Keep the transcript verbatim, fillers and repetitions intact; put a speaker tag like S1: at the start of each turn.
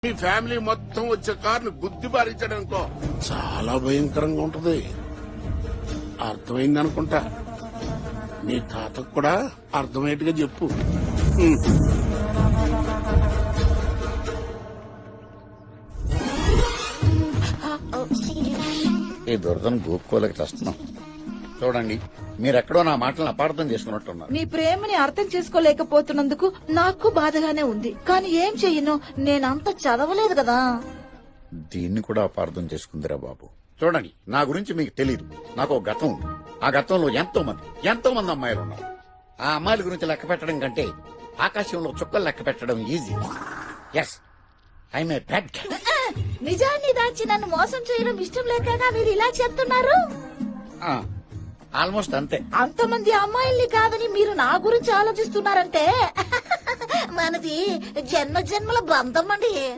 S1: మీ family మొత్తం వచ్చే కారుని గుద్ది బారించడానికో చాలా భయంకరంగా ఉంటది. అర్థమైంది అనుకుంటా. నీ తాతకు కూడా అర్థమయ్యేట్టుగా చెప్పు. హ్మ్.
S2: ఈ దురదను గోపుకోలేక చేస్తున్నాం. చూడండి, మీరెక్కడో నా మాటలను అపార్థం చేసుకున్నట్టున్నారు.
S3: నీ ప్రేమని అర్థం చేసుకోలేకపోతున్నందుకు నాకు బాధగానే ఉంది. కానీ ఏం చెయ్యను, నేనంత చదవలేదు కదా.
S2: దీన్ని కూడా అపార్థం చేసుకుందిరా బాబు. చూడండి, నా గురించి మీకు తెలీదు. నాకు ఒక గతం ఉంది. ఆ గతంలో ఎంతో మంది ఎంతో మంది అమ్మాయిలు ఉన్నారు. ఆ అమ్మాయిల గురించి లెక్క పెట్టడం కంటే ఆకాశంలో చుక్కలు లెక్క పెట్టడం easy. Yes, I'm a bad guy.
S3: నిజాన్ని దాచి నన్ను మోసం చేయడం ఇష్టం లేకగా మీరు ఇలా చెప్తున్నారు.
S2: ఆల్మోస్ట్ అంతే.
S3: అంతమంది అమ్మాయిల్ని కాదని మీరు నా గురించి ఆలోచిస్తున్నారంటే మనది జన్మ జన్మల బంధం అండి.